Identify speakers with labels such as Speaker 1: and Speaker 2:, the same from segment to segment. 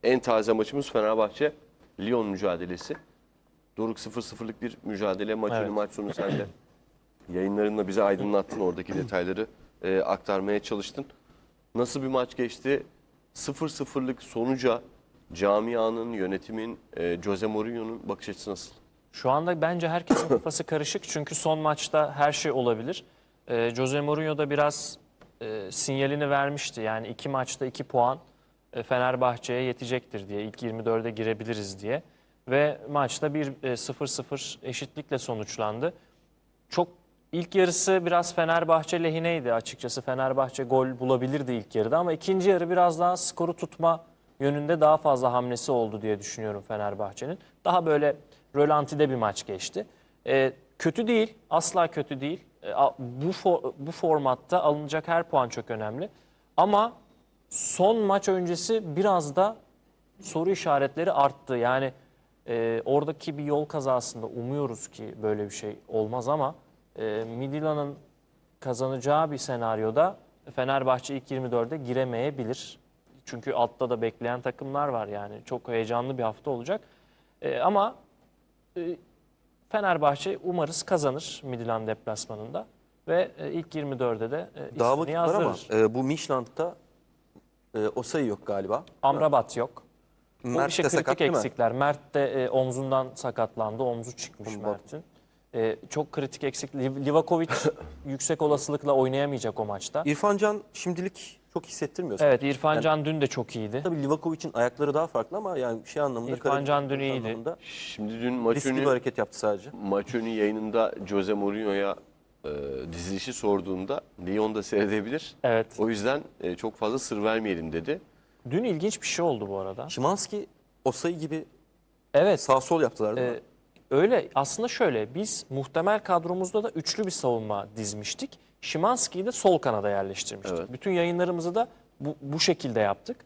Speaker 1: en taze maçımız Fenerbahçe Lyon mücadelesi. Doruk 0-0'lık bir mücadele. Maç önü maç sonu sen de yayınlarınla bize aydınlattın. Oradaki detayları aktarmaya çalıştın. Nasıl bir maç geçti? 0-0'lık sonuca camianın, yönetimin, Jose Mourinho'nun bakış açısı nasıl?
Speaker 2: Şu anda bence herkesin kafası karışık çünkü son maçta her şey olabilir. Jose Mourinho da biraz sinyalini vermişti. Yani 2 maçta 2 puan Fenerbahçe'ye yetecektir diye. İlk 24'e girebiliriz diye. Ve maçta bir 0-0 eşitlikle sonuçlandı. Çok ilk yarısı biraz Fenerbahçe lehineydi açıkçası. Fenerbahçe gol bulabilirdi ilk yarıda ama ikinci yarı biraz daha skoru tutma yönünde daha fazla hamlesi oldu diye düşünüyorum Fenerbahçe'nin. Daha böyle rölantide bir maç geçti. Kötü değil, asla kötü değil. Bu formatta alınacak her puan çok önemli. Ama son maç öncesi biraz da soru işaretleri arttı. Yani oradaki bir yol kazasında umuyoruz ki böyle bir şey olmaz ama Midtjylland'ın kazanacağı bir senaryoda Fenerbahçe ilk 24'e giremeyebilir. Çünkü altta da bekleyen takımlar var yani. Çok heyecanlı bir hafta olacak. Ama Fenerbahçe umarız kazanır Midtjylland deplasmanında ve ilk 24'e de
Speaker 3: Daha
Speaker 2: ismini
Speaker 3: vakit var ama
Speaker 2: yazdırır.
Speaker 3: bu Midtjylland'da Osayi yok galiba.
Speaker 2: Amrabat yok. O
Speaker 3: Mert
Speaker 2: işte
Speaker 3: de
Speaker 2: kritik
Speaker 3: sakat değil mi?
Speaker 2: eksikler. Mert de omzundan sakatlandı. Omzu çıkmış
Speaker 3: Omuz.
Speaker 2: Mert'in. Çok kritik eksik. Livakovic yüksek olasılıkla oynayamayacak o maçta.
Speaker 3: İrfan Can şimdilik çok hissettirmiyor.
Speaker 2: Evet,
Speaker 3: sanki.
Speaker 2: İrfan
Speaker 3: Yani,
Speaker 2: Can dün de çok iyiydi.
Speaker 3: tabii Livakovic'in ayakları daha farklı ama yani şey anlamında
Speaker 2: İrfan Can dün
Speaker 3: karabük
Speaker 2: iyiydi.
Speaker 3: anlamında
Speaker 1: Şimdi dün maç
Speaker 3: riskli bir
Speaker 1: önü,
Speaker 3: hareket yaptı sadece.
Speaker 1: maç önü yayınında Jose Mourinho'ya dizilişi sorduğunda Lyon'da seyredebilir.
Speaker 2: Evet.
Speaker 1: O yüzden çok fazla sır vermeyelim dedi.
Speaker 2: Dün ilginç bir şey oldu bu arada.
Speaker 3: Şimanski Osayi gibi
Speaker 2: Evet.
Speaker 3: sağ sol yaptılar değil mi?
Speaker 2: Öyle aslında şöyle biz muhtemel kadromuzda da üçlü bir savunma dizmiştik. Szymański'yi de sol kanada yerleştirmiştik.
Speaker 1: Evet.
Speaker 2: Bütün yayınlarımızı da bu şekilde yaptık.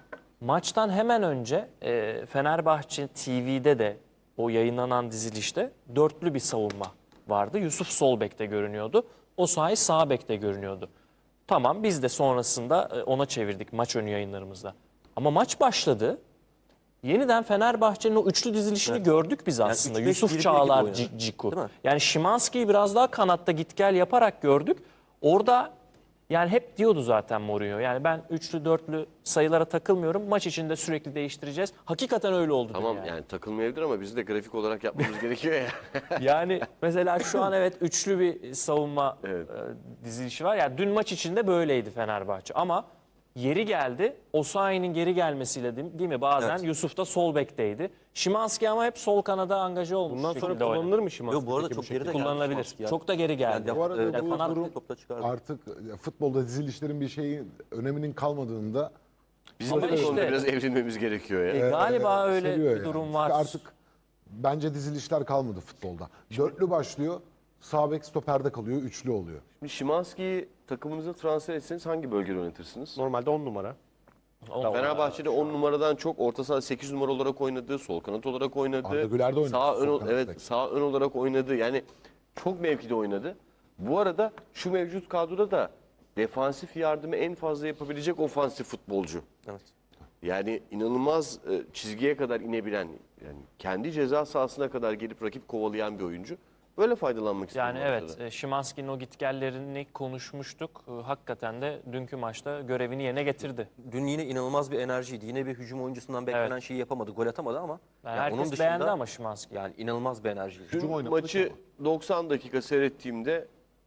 Speaker 2: Maçtan hemen önce Fenerbahçe TV'de de o yayınlanan dizilişte dörtlü bir savunma vardı. Yusuf sol bekte görünüyordu. Osayi sağ bekte görünüyordu. Tamam biz de sonrasında ona çevirdik maç önü yayınlarımızda. Ama maç başladı. Yeniden Fenerbahçe'nin o üçlü dizilişini gördük biz aslında.
Speaker 3: 3-5-1-1
Speaker 2: Yusuf
Speaker 3: gibi
Speaker 2: Çağlar,
Speaker 3: oynadı.
Speaker 2: Ciku.
Speaker 3: Değil mi?
Speaker 2: Yani Szymański'yi biraz daha kanatta git gel yaparak gördük. Orada yani hep diyordu zaten Mourinho. Yani ben üçlü dörtlü sayılara takılmıyorum. Maç içinde sürekli değiştireceğiz. Hakikaten öyle oldu.
Speaker 1: Tamam
Speaker 2: yani.
Speaker 1: yani takılmayabilir ama bizim de grafik olarak yapmamız gerekiyor ya.
Speaker 2: Yani mesela şu an evet üçlü bir savunma
Speaker 1: Evet.
Speaker 2: dizilişi var. Yani dün maç içinde böyleydi Fenerbahçe ama yeri geldi. Osayi'nin geri gelmesiyle değil mi? Bazen
Speaker 3: Evet.
Speaker 2: Yusuf da sol bekteydi. Szymański ama hep sol kanada angaje olmuş.
Speaker 4: Bundan sonra
Speaker 2: şekilde oynadı.
Speaker 4: kullanılır mı Szymański?
Speaker 3: Yok bu arada
Speaker 4: peki
Speaker 3: çok
Speaker 4: şekilde?
Speaker 3: geride geldi
Speaker 2: Kullanılabilir.
Speaker 3: Szymański ya.
Speaker 2: Çok da geri geldi.
Speaker 3: Yani
Speaker 4: Bu arada
Speaker 3: defans
Speaker 4: bu
Speaker 2: Fenerbahçe-
Speaker 4: durum
Speaker 3: topla çıkardı.
Speaker 5: Artık futbolda dizilişlerin bir şeyi öneminin kalmadığında
Speaker 1: Bizim
Speaker 2: Ama
Speaker 1: de bu konuda
Speaker 2: işte-
Speaker 1: biraz evrilmemiz gerekiyor ya.
Speaker 2: Galiba öyle
Speaker 5: seviyor
Speaker 2: bir
Speaker 5: yani.
Speaker 2: durum
Speaker 5: Çünkü
Speaker 2: var.
Speaker 5: artık bence dizilişler kalmadı futbolda. Dörtlü başlıyor, sağ bek stoperde kalıyor, üçlü oluyor.
Speaker 1: Şimdi Szymański'yi takımınıza transfer etseniz hangi bölgede oynatırsınız?
Speaker 4: Normalde 10 numara.
Speaker 1: Fenerbahçe'de 10 numaradan çok orta sahada 8 numara olarak oynadı, sol kanat olarak oynadı.
Speaker 5: Arda Güler de oynadı,
Speaker 1: Sağ
Speaker 5: sol
Speaker 1: ön,
Speaker 5: kanat
Speaker 1: evet,
Speaker 5: bek.
Speaker 1: sağ ön olarak oynadı. Yani çok mevkide oynadı. Bu arada şu mevcut kadroda da defansif yardımı en fazla yapabilecek ofansif futbolcu.
Speaker 3: Evet.
Speaker 1: Yani inanılmaz çizgiye kadar inebilen, yani kendi ceza sahasına kadar gelip rakip kovalayan bir oyuncu. Böyle faydalanmak istiyor.
Speaker 2: Yani evet, Szymański'nin o gitgellerini konuşmuştuk. Hakikaten de dünkü maçta görevini yerine getirdi.
Speaker 3: Dün yine inanılmaz bir enerjiydi. Yine bir hücum oyuncusundan beklenen şeyi yapamadı. Gol atamadı ama
Speaker 2: Yani
Speaker 3: yani
Speaker 2: herkes
Speaker 3: onun dışında
Speaker 2: beğendi ama Szymański.
Speaker 3: yani inanılmaz bir enerjiydi.
Speaker 1: Dün
Speaker 5: Hücum oynamadık
Speaker 1: maçı 90 dakika seyrettiğimde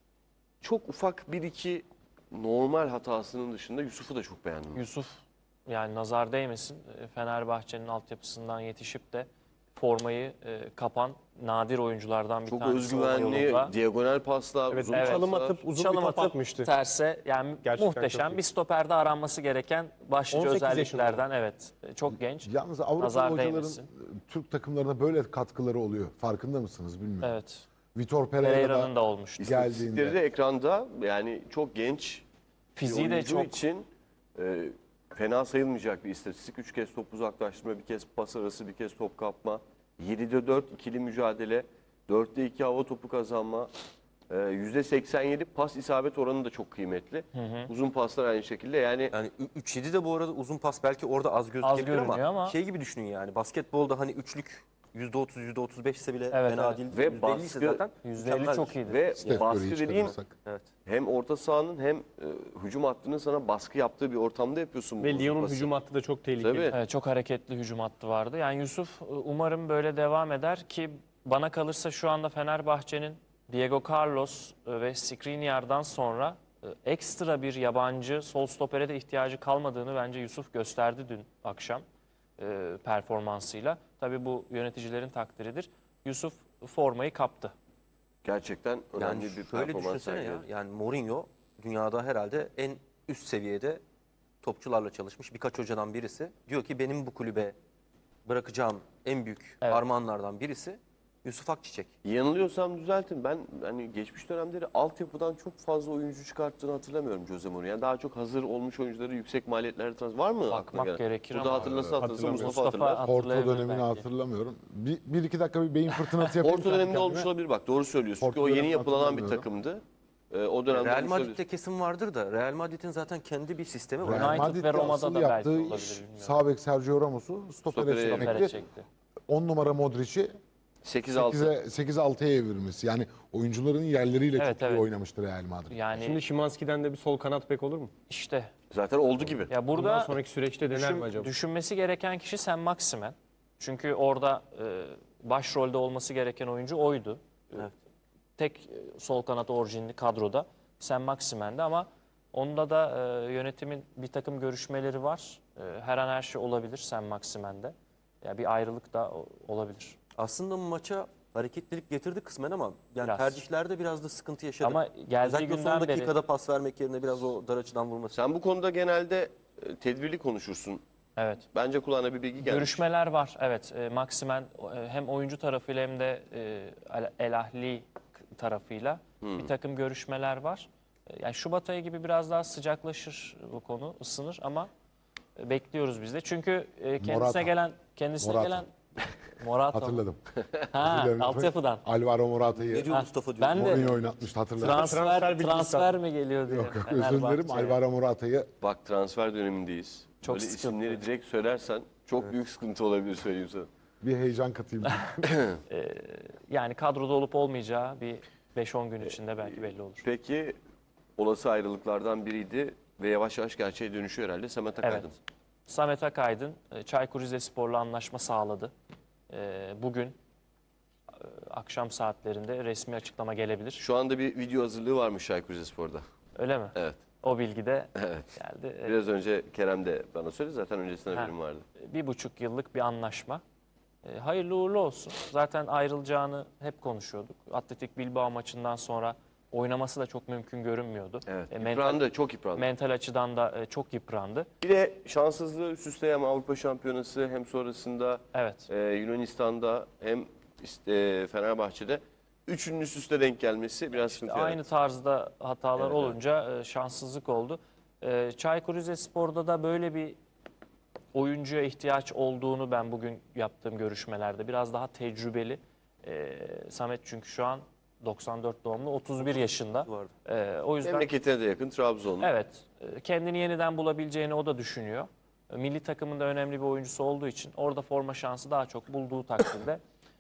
Speaker 1: çok ufak bir iki normal hatasının dışında Yusuf'u da çok beğendim.
Speaker 2: Yusuf yani nazar değmesin Fenerbahçe'nin altyapısından yetişip de formayı kapan nadir oyunculardan bir
Speaker 1: Çok
Speaker 2: tanesi
Speaker 1: özgüvenli,
Speaker 2: yolunda.
Speaker 1: diagonal paslar,
Speaker 4: Evet,
Speaker 1: uzun
Speaker 4: çalım
Speaker 1: paslar.
Speaker 4: atıp uzun
Speaker 2: Çalım
Speaker 4: bir top
Speaker 2: atıp
Speaker 4: atmıştı.
Speaker 2: terse yani
Speaker 4: Gerçekten çok
Speaker 2: muhteşem
Speaker 4: iyi.
Speaker 2: bir stoperde aranması gereken başlıca
Speaker 4: 18
Speaker 2: özelliklerden evet çok genç.
Speaker 5: Yalnız Avrupalı
Speaker 2: Nazar
Speaker 5: hocaların
Speaker 2: değmesin.
Speaker 5: Türk takımlarına böyle katkıları oluyor. Farkında mısınız bilmiyorum.
Speaker 2: Evet.
Speaker 5: Vitor
Speaker 2: Pereira'nın
Speaker 5: Pereira'da
Speaker 2: da olmuştu.
Speaker 1: İstatistikleri
Speaker 5: geldiğinde.
Speaker 1: de ekranda, yani çok genç
Speaker 2: Fiziği
Speaker 1: bir
Speaker 2: de
Speaker 1: oyuncu
Speaker 2: çok
Speaker 1: için fena sayılmayacak bir istatistik. 3 kez top uzaklaştırma, bir kez pas arası, bir kez top kapma. 7'de 4 ikili mücadele, 4'te 2 hava topu kazanma. %87 pas isabet oranı da çok kıymetli. Uzun paslar aynı şekilde. Yani
Speaker 3: Yani 3-7 de bu arada uzun pas belki orada az gözükebilir
Speaker 2: görünüyor ama-
Speaker 3: şey gibi düşünün yani basketbolda hani üçlük %30 %35 ise bile
Speaker 2: Evet,
Speaker 3: fena
Speaker 2: evet.
Speaker 3: değil.
Speaker 1: Ve
Speaker 3: %50 ise
Speaker 1: baskı-
Speaker 3: zaten
Speaker 2: %50
Speaker 3: mükemmel.
Speaker 2: çok iyidir.
Speaker 1: ve
Speaker 5: Steph
Speaker 1: baskı
Speaker 5: Curry'i
Speaker 1: dediğin
Speaker 5: çıkarırsak.
Speaker 3: Evet.
Speaker 1: hem orta sahanın hem hücum hattının sana baskı yaptığı bir ortamda yapıyorsun bu
Speaker 4: Ve
Speaker 1: uzun
Speaker 4: Lyon'un
Speaker 1: pası.
Speaker 4: hücum hattı da çok tehlikeli.
Speaker 1: Tabii.
Speaker 2: Evet, çok hareketli hücum hattı vardı. Yani Yusuf umarım böyle devam eder ki bana kalırsa şu anda Fenerbahçe'nin Diego Carlos ve Skriniar'dan sonra ekstra bir yabancı sol stopere de ihtiyacı kalmadığını bence Yusuf gösterdi dün akşam performansıyla. Tabii bu yöneticilerin takdiridir. Yusuf formayı kaptı.
Speaker 1: Gerçekten önemli
Speaker 3: Yani
Speaker 1: bir
Speaker 3: şöyle
Speaker 1: performans
Speaker 3: düşünsene ya.
Speaker 1: sergiledi.
Speaker 3: Yani Mourinho dünyada herhalde en üst seviyede topçularla çalışmış birkaç hocadan birisi. Diyor ki benim bu kulübe bırakacağım en büyük
Speaker 2: Evet.
Speaker 3: armağanlardan birisi Yusuf Akçiçek.
Speaker 1: Yanılıyorsam düzeltin. Ben hani geçmiş dönemleri altyapıdan çok fazla oyuncu çıkarttığını hatırlamıyorum Jose Mourinho. Yani daha çok hazır olmuş oyuncuları yüksek maliyetlerle transfer. Var mı aklına
Speaker 2: Bakmak
Speaker 1: gelen?
Speaker 2: gerekir
Speaker 1: Burada
Speaker 2: ama
Speaker 1: hatırlasa hatırlasa
Speaker 4: hatırlamıyorum.
Speaker 1: Mustafa hatırlar.
Speaker 5: Porto
Speaker 2: hatırlayabilir
Speaker 5: dönemini
Speaker 2: belki.
Speaker 5: hatırlamıyorum. Bir iki dakika bir beyin fırtınası yapayım.
Speaker 1: Porto döneminde
Speaker 5: kendi
Speaker 1: olmuş
Speaker 5: kendime.
Speaker 1: olabilir bak, doğru söylüyorsun. Çünkü
Speaker 5: Porto
Speaker 1: o yeni
Speaker 5: dönemini
Speaker 1: yapılanan bir
Speaker 5: hatırlamıyorum.
Speaker 1: takımdı. O dönemde
Speaker 3: Real
Speaker 1: olmuş olabilir.
Speaker 3: Madrid'de kesin vardır da Real Madrid'in zaten kendi bir sistemi var.
Speaker 2: United
Speaker 5: Madrid'de
Speaker 2: ve Roma'da
Speaker 5: asıl
Speaker 2: da belki
Speaker 5: yaptığı
Speaker 2: olabilir,
Speaker 5: iş
Speaker 2: bilmiyorum.
Speaker 5: sağ bek Sergio Ramos'u stopere
Speaker 1: Stopere
Speaker 2: Stopere
Speaker 5: çekmekti.
Speaker 2: çekti.
Speaker 5: 10 numara Modric'i
Speaker 1: 8-6.
Speaker 5: 8-6'ya evirmesi. Yani oyuncuların yerleriyle
Speaker 2: Evet,
Speaker 5: çok iyi
Speaker 2: evet.
Speaker 5: oynamıştı Real Madrid.
Speaker 2: Yani
Speaker 4: Şimdi Szymański'den de bir sol kanat bek olur mu?
Speaker 2: işte
Speaker 1: Zaten oldu gibi.
Speaker 2: ya
Speaker 4: Bundan
Speaker 2: burada
Speaker 4: sonraki süreçte dener mi acaba?
Speaker 2: düşünmesi gereken kişi Sen Maximen. Çünkü orada başrolde olması gereken oyuncu oydu.
Speaker 3: Evet.
Speaker 2: Tek sol kanat orijinli kadroda Sen Maximen'di ama onda da yönetimin bir takım görüşmeleri var. Her an her şey olabilir Sen Maximen'de. Ya bir ayrılık da olabilir.
Speaker 3: Aslında maça hareketlilik getirdi kısmen ama yani
Speaker 2: Biraz.
Speaker 3: tercihlerde biraz da sıkıntı yaşadı.
Speaker 2: Ama geldiği
Speaker 3: Özellikle son
Speaker 2: günden beri
Speaker 3: dakikada pas vermek yerine biraz o dar açıdan vurması.
Speaker 1: Sen bu konuda genelde tedbirli konuşursun.
Speaker 2: evet.
Speaker 1: Bence kulağına bir bilgi gelmiş.
Speaker 2: Görüşmeler var. Evet. Maximen hem oyuncu tarafıyla hem de El Ahly tarafıyla bir takım görüşmeler var. Yani Şubat ayı gibi biraz daha sıcaklaşır bu konu, ısınır ama bekliyoruz biz de. Çünkü kendisine
Speaker 5: Morata.
Speaker 2: gelen
Speaker 5: Morata.
Speaker 2: gelen Morata.
Speaker 5: Hatırladım.
Speaker 2: Ha,
Speaker 5: Özür dilerim.
Speaker 2: altyapıdan.
Speaker 5: Alvaro Morata'yı
Speaker 3: Ne diyor Mustafa diyor.
Speaker 2: Ben de
Speaker 5: Mourinho oynatmıştı hatırladım.
Speaker 2: transfer
Speaker 4: bilgisi
Speaker 2: mi geliyor diye.
Speaker 5: Yok, özür dilerim. Alvaro Morata'yı
Speaker 1: Bak, transfer dönemindeyiz.
Speaker 2: Çok
Speaker 1: Böyle
Speaker 2: sıkıntı.
Speaker 1: isimleri direkt söylersen çok büyük sıkıntı olabilir, söyleyeyim sana.
Speaker 5: bir heyecan katayım.
Speaker 2: Yani kadroda olup olmayacağı bir 5-10 gün içinde belki belli olur.
Speaker 1: Peki olası ayrılıklardan biriydi ve yavaş yavaş gerçeğe dönüşüyor herhalde Samet Akaydın.
Speaker 2: Evet. Samet Akaydın Çaykur Rizespor'la anlaşma sağladı. Bugün akşam saatlerinde resmi açıklama gelebilir.
Speaker 1: Şu anda bir video hazırlığı varmış Çaykur Rizespor'da.
Speaker 2: Öyle mi?
Speaker 1: Evet.
Speaker 2: O bilgi de
Speaker 1: Evet.
Speaker 2: geldi.
Speaker 1: Biraz önce Kerem de bana söyledi, zaten öncesinde haberim vardı.
Speaker 2: 1,5 yıllık bir anlaşma. Hayırlı uğurlu olsun. Zaten ayrılacağını hep konuşuyorduk. Atletik Bilbao maçından sonra oynaması da çok mümkün görünmüyordu.
Speaker 1: Evet.
Speaker 2: Mental,
Speaker 1: Yıprandı, çok yıprandı.
Speaker 2: mental açıdan da çok yıprandı.
Speaker 1: Bir de şanssızlığı üst üste, hem Avrupa Şampiyonası hem sonrasında
Speaker 2: Evet.
Speaker 1: Yunanistan'da hem işte, Fenerbahçe'de üçünün üst üste denk gelmesi biraz sıkıntı
Speaker 2: Aynı
Speaker 1: yarattı.
Speaker 2: tarzda hatalar
Speaker 1: Evet,
Speaker 2: olunca şanssızlık oldu. Çaykur Rizespor'da da böyle bir oyuncuya ihtiyaç olduğunu ben bugün yaptığım görüşmelerde biraz daha tecrübeli. Samet çünkü şu an 94 doğumlu, 31 yaşında.
Speaker 3: Vardı.
Speaker 2: O yüzden
Speaker 1: Memleketine de yakın, Trabzonlu.
Speaker 2: evet, kendini yeniden bulabileceğini o da düşünüyor. Milli takımın da önemli bir oyuncusu olduğu için orada forma şansı daha çok bulduğu takdirde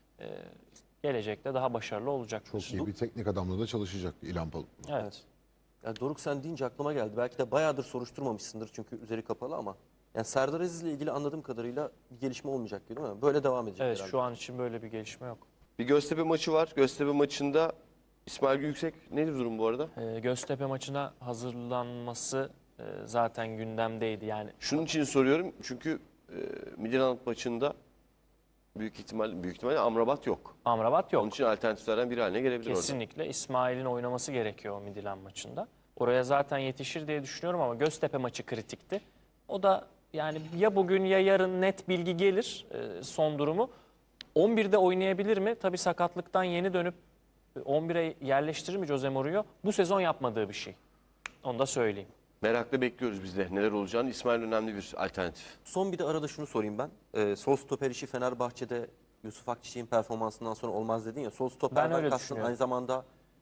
Speaker 2: gelecekte daha başarılı olacaktır.
Speaker 5: Çok iyi bir teknik adamla da çalışacak İlhan Palut.
Speaker 2: Evet.
Speaker 3: Yani Doruk sen deyince aklıma geldi. Belki de bayağıdır soruşturmamışsındır çünkü üzeri kapalı ama. Yani Serdar Aziz ile ilgili anladığım kadarıyla bir gelişme olmayacak gibi değil mi? Böyle devam edecek
Speaker 2: Evet,
Speaker 3: herhalde.
Speaker 2: şu an için böyle bir gelişme yok.
Speaker 1: Bir Göztepe maçı var. Göztepe maçında İsmail Yüksek, nedir durum bu arada?
Speaker 2: Göztepe maçına hazırlanması zaten gündemdeydi. Yani
Speaker 1: Şunun için soruyorum çünkü Midtjylland maçında büyük ihtimalle Amrabat yok.
Speaker 2: Amrabat
Speaker 1: Onun
Speaker 2: yok.
Speaker 1: için alternatiflerden biri haline gelebilir orada.
Speaker 2: Kesinlikle İsmail'in oynaması gerekiyor o Midtjylland maçında. Oraya zaten yetişir diye düşünüyorum ama Göztepe maçı kritikti. O da yani ya bugün ya yarın net bilgi gelir son durumu. 11'de oynayabilir mi? Tabii sakatlıktan yeni dönüp 11'e yerleştirir mi Jose Mourinho? Bu sezon yapmadığı bir şey. Onu da söyleyeyim.
Speaker 1: Merakla bekliyoruz biz de neler olacağını. İsmail önemli bir alternatif.
Speaker 3: Son bir de arada şunu sorayım ben. Sol stoper işi Fenerbahçe'de Yusuf Akçiçek'in performansından sonra olmaz dedin ya. Sol
Speaker 2: Ben
Speaker 3: stoperden
Speaker 2: öyle
Speaker 3: kastın
Speaker 2: düşünüyorum.
Speaker 3: aynı zamanda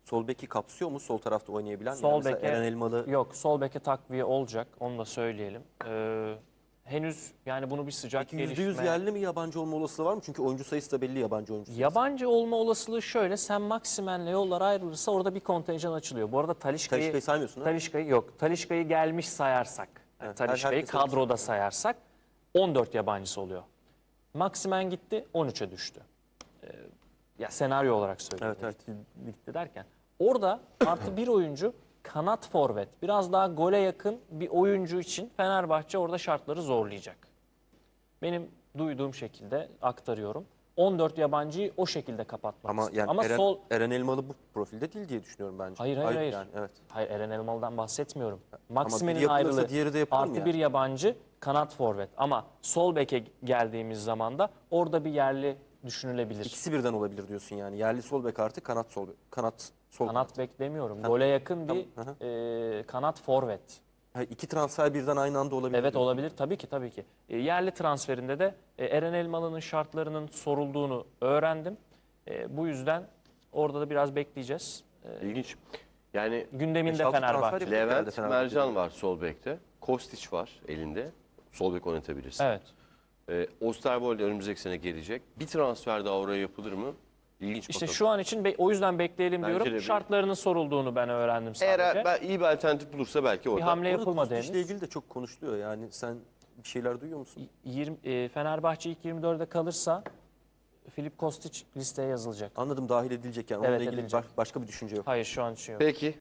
Speaker 3: sol beki kapsıyor mu sol tarafta oynayabilen?
Speaker 2: Sol
Speaker 3: Yani mesela
Speaker 2: beke
Speaker 3: Eren Elmalı
Speaker 2: yok, sol beke takviye olacak. Onu da söyleyelim. Henüz yani bunu bir sıcak
Speaker 3: peki %100
Speaker 2: gelişme.
Speaker 3: yerli mi yabancı olma olasılığı var mı? Çünkü oyuncu sayısı da belli yabancı oyuncu sayısı.
Speaker 2: Yabancı olma olasılığı şöyle. Sen Maximen'le yollar ayrılırsa orada bir kontenjan açılıyor. Bu arada
Speaker 3: Talisca'yı saymıyorsun ha?
Speaker 2: Talisca'yı yok. Talisca'yı gelmiş sayarsak. Yani
Speaker 3: Evet,
Speaker 2: Talisca'yı
Speaker 3: herkes
Speaker 2: kadroda sayarsak 14 yabancısı oluyor. Maximen gitti 13'e düştü. Ya senaryo olarak söylüyorum.
Speaker 3: Evet,
Speaker 2: Gitti derken. Orada artı bir oyuncu kanat forvet. Biraz daha gole yakın bir oyuncu için Fenerbahçe orada şartları zorlayacak. Benim duyduğum şekilde aktarıyorum. 14 yabancıyı o şekilde kapatmak
Speaker 3: Ama
Speaker 2: istiyor.
Speaker 3: yani
Speaker 2: Ama
Speaker 3: Eren, Eren Elmalı bu profilde değil diye düşünüyorum bence.
Speaker 2: Hayır.
Speaker 3: Yani, evet.
Speaker 2: Hayır, Eren Elmalı'dan bahsetmiyorum.
Speaker 3: biri
Speaker 2: Maximen'in
Speaker 3: yapılırsa
Speaker 2: ayrılığı
Speaker 3: diğeri de yapılır mı
Speaker 2: artı
Speaker 3: yani?
Speaker 2: bir yabancı kanat forvet. Ama sol beke geldiğimiz zaman da orada bir yerli düşünülebilir.
Speaker 3: İkisi birden olabilir diyorsun yani. Yerli sol bek artı kanat sol kanat sol
Speaker 2: Kanat bek demiyorum. Gole yakın bir kanat forvet.
Speaker 3: Ha, iki transfer birden aynı anda olabilir.
Speaker 2: Evet,
Speaker 3: diyorsun.
Speaker 2: olabilir tabii ki. Yerli transferinde de Eren Elmalı'nın şartlarının sorulduğunu öğrendim. Bu yüzden orada da biraz bekleyeceğiz.
Speaker 1: İlginç. Yani
Speaker 2: Gündeminde
Speaker 3: 5-6
Speaker 2: Fenerbahçe.
Speaker 3: transfer yapıyor herhalde
Speaker 1: Levent
Speaker 3: Fenerbahçe.
Speaker 1: Mercan var sol bekte. Kostić var elinde. Sol bek oynatabilirsin.
Speaker 2: Evet.
Speaker 1: Osterwolde önümüzdeki sene gelecek. Bir transfer daha oraya yapılır mı? İlginç
Speaker 2: İşte
Speaker 1: bakalım.
Speaker 2: şu an için o yüzden bekleyelim
Speaker 1: Bence
Speaker 2: diyorum.
Speaker 1: de bir-
Speaker 2: Şartlarının sorulduğunu ben öğrendim sadece.
Speaker 1: Eğer ben iyi bir alternatif bulursa belki
Speaker 2: Bir
Speaker 1: orada.
Speaker 2: hamle
Speaker 3: Orada
Speaker 2: yapılmadı
Speaker 3: Kostic'le
Speaker 2: henüz.
Speaker 3: ilgili de çok konuşuluyor. Yani sen bir şeyler duyuyor musun?
Speaker 2: Fenerbahçe ilk 24'e kalırsa Filip Kostić listeye yazılacak.
Speaker 3: Anladım, dahil edilecek yani.
Speaker 2: Evet,
Speaker 3: Onunla ilgili
Speaker 2: edilecek.
Speaker 3: başka bir düşünce yok.
Speaker 2: Hayır, şu an için yok.
Speaker 1: Peki